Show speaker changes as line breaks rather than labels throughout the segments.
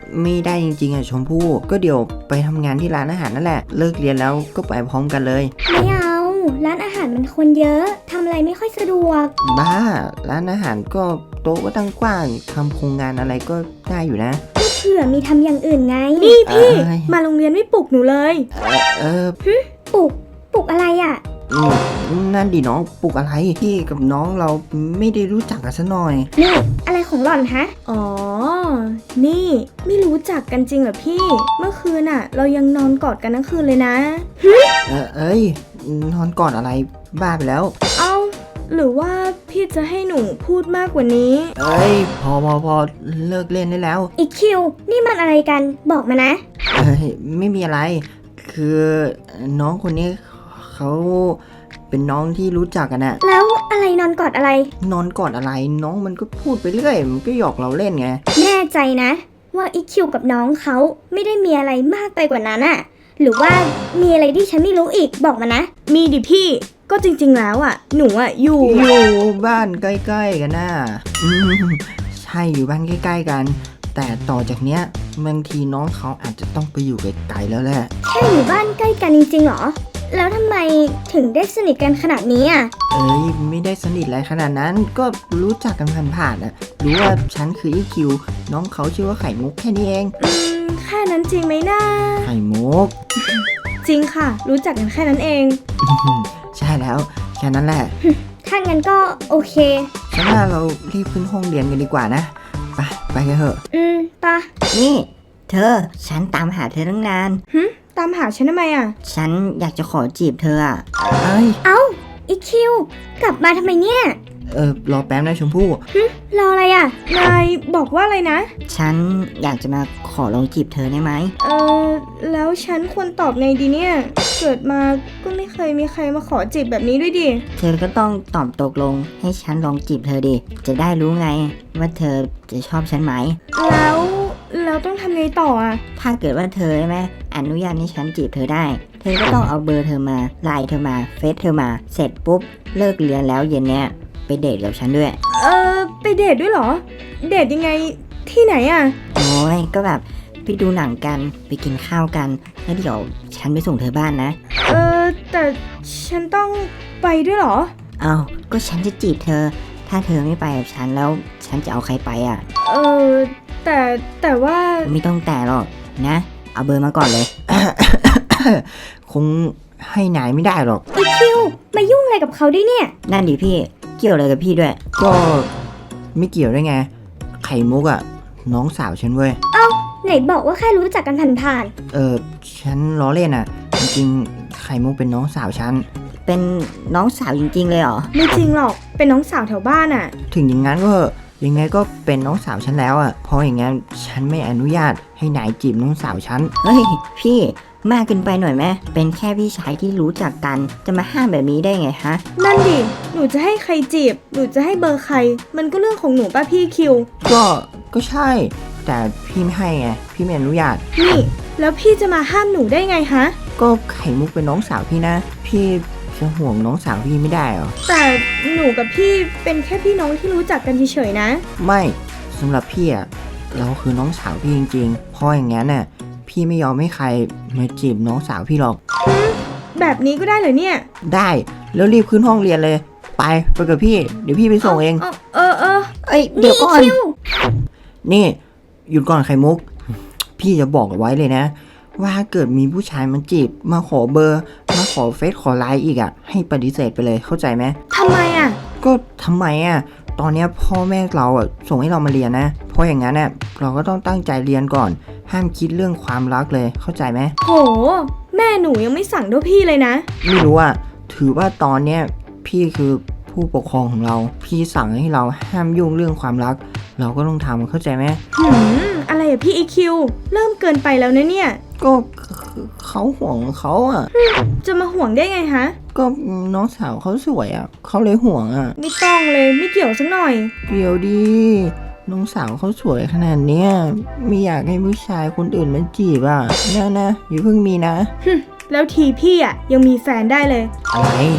ไม่ได้จริงๆอ่ะชมพู่ก็เดี๋ยวไปทำงานที่ร้านอาหารนั่นแหละเลิกเรียนแล้วก็ไปพร้อมกันเลย
ไม่เอาร้านอาหารมันคนเยอะทำอะไรไม่ค่อยสะดวก
บ้าร้านอาหารก็โต๊ะก็ตั้งกว้างทำโครงงานอะไรก็ได้อยู่นะ
เผื่อมีทำอย่างอื่นไง
นี่พี่มาโรงเรียนไม่ปลุกหนูเลย
ปลุกอะไรอ่ะ
นั่นดิน้องปลุกอะไรพี่กับน้องเราไม่ได้รู้จักกันซะหน่อย
นี่อะไรของหล่อนฮะ
อ๋อนี่ไม่รู้จักกันจริงเหรอพี่เมื่อคืนน่ะเรายังนอนกอดกันทั้งคืนเลยนะ
เอ้ยนอนก่อนอะไรบ้าไปแล้ว
เอ้าหรือว่าพี่จะให้หนูพูดมากกว่านี้
เอ้ยพอเลิกเล่นได้แล้ว
อีคิวนี่มันอะไรกันบอกมานะ
ไม่มีอะไรคือน้องคนนี้เขาเป็นน้องที่รู้จักกันอะ
แล้วอะไรนอนกอดอะไร
นอนกอดอะไรน้องมันก็พูดไปเรื่อยมันก็หยอกเราเล่นไง
แน่ใจนะว่าอีคิวกับน้องเขาไม่ได้มีอะไรมากไปกว่านั้นอะหรือว่ามีอะไรที่ฉันไม่รู้อีกบอกมานะ
มีดิพี่ก็จริงๆแล้วอ่ะหนูอ่ะอยู่
บ้านใกล้ๆกันน่ะใช่อยู่บ้านใกล้ๆกันแต่ต่อจากเนี้ยบางทีน้องเขาอาจจะต้องไปอยู่ไกลๆแล้วแหละ
แค่อยู่บ้านใกล้กันจริงๆหรอแล้วทำไมถึงได้สนิทกันขนาดนี้อ่ะ
ไม่ได้สนิทอะไรขนาดนั้นก็รู้จักกันผ่านๆอ่ะรู้ว่าฉันคืออีคิวน้องเขาชื่อว่าไข่มุกแค่นี้เอง
แค่นั้นจริงไหมนะ
ไข่มุก
จริงค่ะรู้จักกันแค่นั้นเอง
ใช่แล้วแค่นั้นแหละ
ถ้างั้นก็โอเค
ฉันว่าเรารีบขึ้นห้องเรียนกันดีกว่านะไปกันเถอะ
ไป
นี่เธอฉันตามหาเธอตั้งนาน
ตามหาฉันทำไมอ่ะ
ฉันอยากจะขอจีบเธออ่ะ
เอ้าอีคิวกลับมาทำไมเนี่ย
รอแป๊บนะชมพู่
รออะไรอ่ะ
นายบอกว่าอะไรนะ
ฉันอยากจะมาขอลองจีบเธอได้ไหม
แล้วฉันควรตอบไงดีเนี่ยเกิดมาก็ไม่เคยมีใครมาขอจีบแบบนี้ด้วยดิ
เธอก็ต้องตอบตกลงให้ฉันลองจีบเธอดิจะได้รู้ไงว่าเธอจะชอบฉันไหม
แล้วต้องทำไงต่ออ่ะ
ถ้าเกิดว่าเธอใช่ไหมอนุญาตให้ฉันจีบเธอได้เธอก็ต้องเอาเบอร์เธอมาไลน์เธอมาเฟซเธอมาเสร็จปุ๊บเลิกเรียนแล้วเย็นเนี้ยไปเดทกับฉันด้วย
ไปเดทด้วยเหรอเดทยังไงที่ไหนอ่ะ
โอ้ยก็แบบไปดูหนังกันไปกินข้าวกันแล้วเดี๋ยวฉันไปส่งเธอบ้านนะ
แต่ฉันต้องไปด้วยเหรอ
อ้าวก็ฉันจะจีบเธอถ้าเธอไม่ไปกับฉันแล้วฉันจะเอาใครไปอ่ะ
แต่ว่า
ไม่ต้องแต่หรอกนะเอาเบอร์มาก่อนเลย คงให้นายไม่ได้หรอก
อีคิวมายุ่งอะไรกับเขาด้วยเนี่ย
นั่นดิพี่เกี่ยวอะไรกับพี่ด้วยก็ไม่เกี่ยวได้ไงไข่มุกอ่ะน้องสาวฉันเว้ย
เอ้าไหนบอกว่าแค่รู้จักกันผ่าน
ฉันล้อเล่นอ่ะจริงๆไข่มุกเป็นน้องสาวฉันเป็นน้องสาวจริงๆเลยเหรอ
ไม่จริงหรอกเป็นน้องสาวแถวบ้านอ่ะ
ถึงอย่างนั้นก็ยังไงก็เป็นน้องสาวฉันแล้วอ่ะเพราะอย่างงั้นฉันไม่อนุญาตให้นายจีบน้องสาวฉันเฮ้ยพี่มากเกินไปหน่อยไหมเป็นแค่พี่ชายที่รู้จักกันจะมาห้ามแบบนี้ได้ไงฮะ
นั่นดิหนูจะให้ใครจีบหนูจะให้เบอร์ใครมันก็เรื่องของหนูป่ะพี่คิว
ก็ใช่แต่พี่ไม่ให้ไงพี่ไม่อนุญาต
นี่แล้วพี่จะมาห้ามหนูได้ไงฮะ
ก็ไข่มุกเป็นน้องสาวพี่นะพี่จะห่วงน้องสาวพี่ไม่ได้หรอ
แต่หนูกับพี่เป็นแค่พี่น้องที่รู้จักกันเฉยๆนะ
ไม่สำหรับพี่อะเราคือน้องสาวพี่จริงๆเพราะอย่างงั้นน่ะพี่ไม่ยอมให้ใครมาจีบน้องสาวพี่หรอก
แบบนี้ก็ได้เหรอเนี่ย
ได้แล้วรีบขึ้นห้องเรียนเลยไปกับพี่เดี๋ยวพี่ไปส่งเองเดี๋ยวก่อนนี่หยุดก่อนไข่มุกพี่จะบอกไว้เลยนะว่าเกิดมีผู้ชายมาจีบมาขอเบอร์มาขอเฟซขอไลน์อีกอะให้ปฏิเสธไปเลยเข้าใจไหม
ทำไมอะ
ก็ทำไมอะตอนนี้พ่อแม่เราอะส่งให้เรามาเรียนนะเพราะอย่างนั้นเนี่ยเราก็ต้องตั้งใจเรียนก่อนห้ามคิดเรื่องความรักเลยเข้าใจไหม
โหแม่หนูยังไม่สั่งด้วยพี่เลยนะ
ไม่รู้อะถือว่าตอนเนี้ยพี่คือผู้ปกครองของเราพี่สั่งให้เราห้ามยุ่งเรื่องความรักเราก็ต้องทำเข้าใจไหม
อะไรอะพี่ EQ เริ่มเกินไปแล้วนะเนี่ย
ก็เขาห่วงเขาอะ
จะมาห่วงได้ไงฮะ
ก็น้องสาวเขาสวยอะเขาเลยห่วงอะ
ไม่ต้องเลยไม่เกี่ยวสักหน่อย
เกี่ยวดีน้องสาวเขาสวยขนาดเนี้ยไม่อยากให้ผู้ชายคนอื่นมาจีบอะนะอย่าเพิ่งมีนะ
แล้วทีพี่อะยังมีแฟนได้เลย
อะไร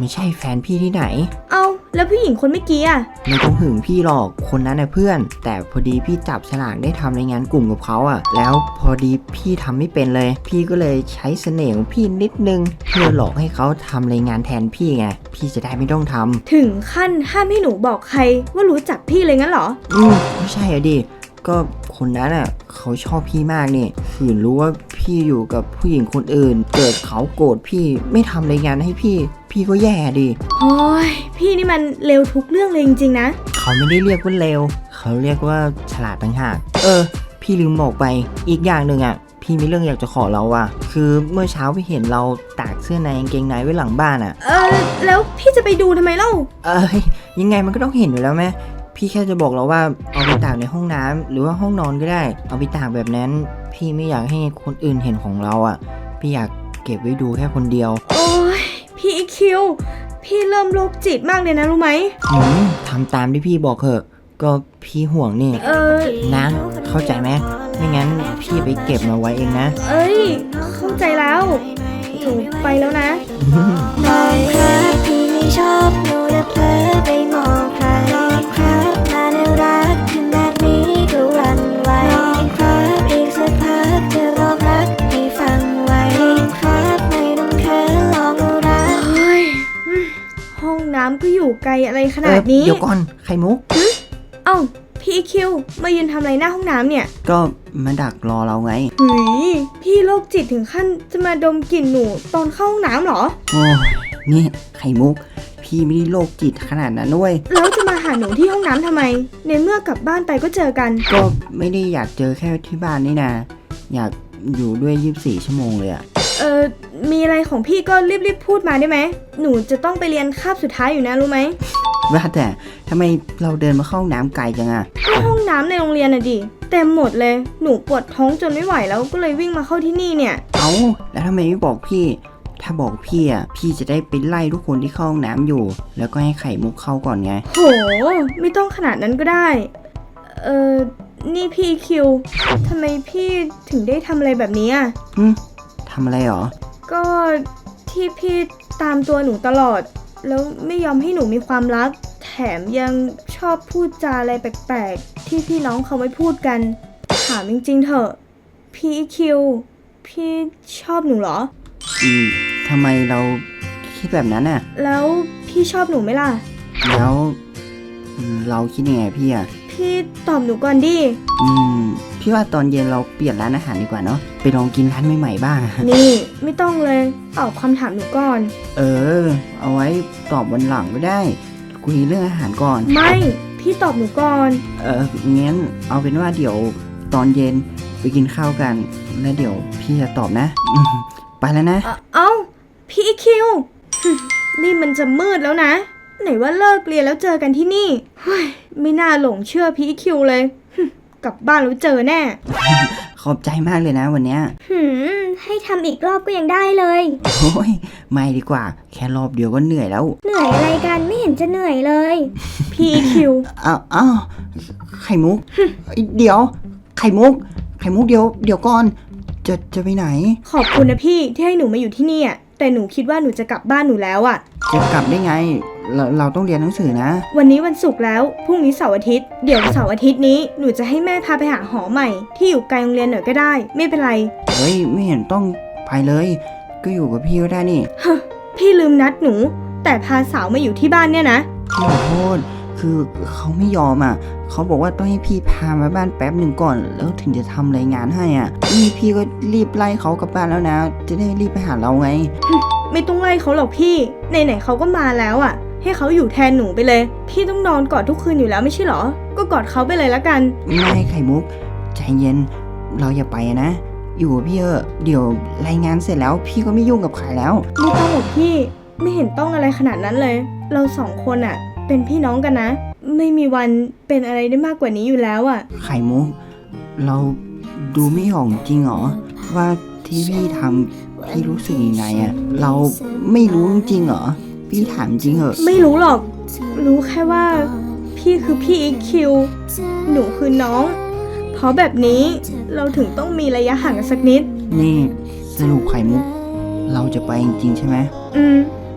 ไม่ใช่แฟนพี่ที่ไหน
เอาแล้วผู้หญิงคนเมื่อกี้อะ
ไม่ต้องหึงพี่หรอกคนนั้นน่ะเพื่อน แต่พอดีพี่จับฉลากได้ทำในงานกลุ่มกับเขาอ่ะแล้วพอดีพี่ทำไม่เป็นเลย พี่ก็เลยใช้เสน่ห์ของพี่นิดนึงเพื่อหลอกให้เขาทำรายงานแทนพี่ไงพี่จะได้ไม่ต้องทำ
ถึงขั้นห้ามให้หนูบอกใครว่ารู้จักพี่เลยงั้นเหรอ
ไม่ใช่อะดิก็คนนั้นอ่ะเขาชอบพี่มากนี่ขืนรู้ว่าพี่อยู่กับผู้หญิงคนอื่น เกิดเขาโกรธพี่ไม่ทำรายงานให้พี่ก็แย่ดิ
โอ้ยพี่นี่มันเร็วทุกเรื่องเลยจริงๆนะ
เขาไม่ได้เรียกว่าเลวเขาเรียกว่าฉลาดต่างหากพี่ลืมบอกไปอีกอย่างหนึ่งอ่ะพี่มีเรื่องอยากจะขอเราอ่ะคือเมื่อเช้าพี่เห็นเราตากเสื้อในกางเกงในไว้หลังบ้านอ่ะ
แล้วพี่จะไปดูทำไมเล่า
ยังไงมันก็ต้องเห็นอยู่แล้วไหมพี่แค่จะบอกเราว่าเอาไปตากในห้องน้ำหรือว่าห้องนอนก็ได้เอาไปตากแบบนั้นพี่ไม่อยากให้คนอื่นเห็นของเราอ่ะพี่อยากเก็บไว้ดูแค่คนเดียว
โอ้ยพี่อีคิวพี่เริ่มโรคจิตมากเลยนะรู้ไหม
ทำตามที่พี่บอกเถอะก็พี่ห่วงนี่นะเข้าใจไหมไม่งั้นพี่ไปเก็บมาไว้เองนะ
เอ้ยเข้าใจแล้วหนูไปแล้วนะ
มองครับพี่ไม่ชอบหนูและเผลอไปมองใครครับมาน่ารักขนาดนี้ก็หวั่นไหวครับอีกสักพักจะบอกรักให้ฟังไว้ครับไม่ต้องเขินลองเอารัก
เฮ้ยห้องน้ำก็อยู่ไกลอะไรขนาดนี้
เดี๋ยวก่อนไข่มุก
เอ้าพี่อีคิวมายืนทำอะไรหน้าห้องน้ำเนี่ย
ก็มาดักรอเราไง
หืยพี่โรคจิตถึงขั้นจะมาดมกลิ่นหนูตอนเข้าห้องน้ำเหรอ
โอ้ยนี่ไข่มุกพี่ไม่ได้โรคจิตขนาดนั้นด้วย
แล้วจะมาหาหนูที่ห้องน้ำทำไม ในเมื่อกลับบ้านไปก็เจอกัน
ก็ไม่ได้อยากเจอแค่ที่บ้านนี่นะอยากอยู่ด้วย24 ชั่วโมงเลยอะ
มีอะไรของพี่ก็รีบๆพูดมาได้ไหม หนูจะต้องไปเรียนคาบสุดท้ายอยู่นะรู้ไหม
ว่าแต่ทำไมเราเดินมาเข้าห้องน้ำไกลจังอะ
ก็ห้องน้ำในโรงเรียนน่ะดิเต็มหมดเลย หนูปวดท้องจนไม่ไหวแล้วก็เลยวิ่งมาเข้าที่นี่เนี่ย
เอ้าแล้วทำไมไม่บอกพี่ ถ้าบอกพี่อะพี่จะได้ไปไล่ทุกคนที่เข้าห้องน้ำอยู่ แล้วก็ให้ไข่มุกเข้าก่อนไง
โห ไม่ต้องขนาดนั้นก็ได้ นี่พี่คิวทำไมพี่ถึงได้ทำอะไรแบบนี้อ่ะ
ทำอะไรหรอ
ก็ที่พี่ตามตัวหนูตลอด แล้วไม่ยอมให้หนูมีความรัก แถมยังชอบพูดจาอะไรแปลกๆ ที่พี่น้องเขาไม่พูดกัน ถามจริงๆเถอะ พี่คิว พี่ชอบหนูเหรอ
ทำไมเราคิดแบบนั้นอะ
แล้วพี่ชอบหนูไหมล่ะ
แล้วเราคิดยังไงพี่อะ
พี่ตอบหนูก่อนดิ
พี่ว่าตอนเย็นเราเปลี่ยนร้านอาหารดีกว่าเนาะไปลองกินร้านใหม่ๆบ้าง
นี่ไม่ต้องเลยตอบคำถามหนูก่อน
เอาไว้ตอบวันหลังก็ได้คุยเรื่องอาหารก่อน
ไม่ พี่ตอบหนูก่อน
งั้นเอาเป็นว่าเดี๋ยวตอนเย็นไปกินข้าวกันแล้วเดี๋ยวพี่จะตอบนะไปแล้วนะ
เอ้า พี่คิว นี่มันจะมืดแล้วนะ ไหนว่าเลิกเรียนแล้วเจอกันที่นี่เฮ้ยไม่น่าหลงเชื่อพี่คิวเลย กลับบ้านแล้วเจอแน่
ขอบใจมากเลยนะวันเนี้ย
ให้ทำอีกรอบก็ยังได้เลย
โอ้ยไม่ดีกว่าแค่รอบเดียวก็เหนื่อยแล้ว
เหนื่อยอะไรกันไม่เห็นจะเหนื่อยเลย
พี่คิว
อ้าวไข่มุก เดี๋ยวไข่มุกเดี๋ยวก่อนจะไปไหน
ขอบคุณนะพี่ที่ให้หนูมาอยู่ที่นี่อ่ะแต่หนูคิดว่าหนูจะกลับบ้านหนูแล้วอ่ะ
จะกลับได้ไงเราต้องเรียนหนังสือนะ
วันนี้วันศุกร์แล้ว พรุ่งนี้เสาร์อาทิตย์ เดี๋ยวเสาร์อาทิตย์นี้หนูจะให้แม่พาไปหาหอใหม่ ที่อยู่ไกลโรงเรียนหน่อยก็ได้ ไม่เป็นไร
เฮ้ยไม่เห็นต้องไปเลย ก็อยู่กับพี่ก็ได้นี่
พี่ลืมนัดหนู แต่พาสาวมาอยู่ที่บ้านเนี่ยนะ
พี่ขอโทษคือเขาไม่ยอมอ่ะเขาบอกว่าต้องให้พี่พามาบ้านแป๊บหนึ่งก่อน แล้วถึงจะทำรายงานให้อ่ะนี่พี่ก็รีบไล่เขากลับบ้านแล้วนะ จะได้รีบไปหาเราไง
ไม่ต้องไล่เขาหรอกพี่ไหนๆเขาก็มาแล้วอ่ะ ให้เขาอยู่แทนหนูไปเลย พี่ต้องนอนกอดทุกคืนอยู่แล้วไม่ใช่หรอ ก็กอดเขาไปเลยละกัน
ไม่ไข่มุกใจเย็นเราอย่าไปนะ อยู่กับพี่เดี๋ยวรายงานเสร็จแล้วพี่ก็ไม่ยุ่งกับใครแล้ว
ไม่ต้องหรอกพี่ไม่เห็นต้องอะไรขนาดนั้นเลย เราสองคนอ่ะ เป็นพี่น้องกันนะ ไม่มีวันเป็นอะไรได้มากกว่านี้อยู่แล้วอ่ะ
ไข่มุกเราดูไม่ออกจริงเหรอว่าที่พี่ทำพี่รู้สึกยังไงอ่ะเราไม่รู้จริงเหรอพี่ถามจริงเหอะ
ไม่รู้หรอก รู้แค่ว่าพี่คือพี่อีคิว หนูคือน้อง เพราะแบบนี้เราถึงต้องมีระยะห่างกันสักนิด
นี่สรุปไข่มุกเราจะไปจริงๆใช่ไหม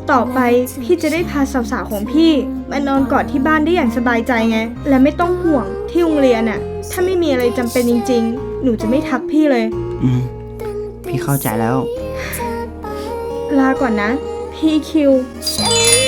ต่อไปพี่จะได้พาสาวๆของพี่มานอนกอดที่บ้านได้อย่างสบายใจไง และไม่ต้องห่วงที่โรงเรียนอะถ้าไม่มีอะไรจำเป็นจริงๆ หนูจะไม่ทักพี่เลย
พี่เข้าใจแล้ว
ลาก่อนนะ พี่คิว
ฉัน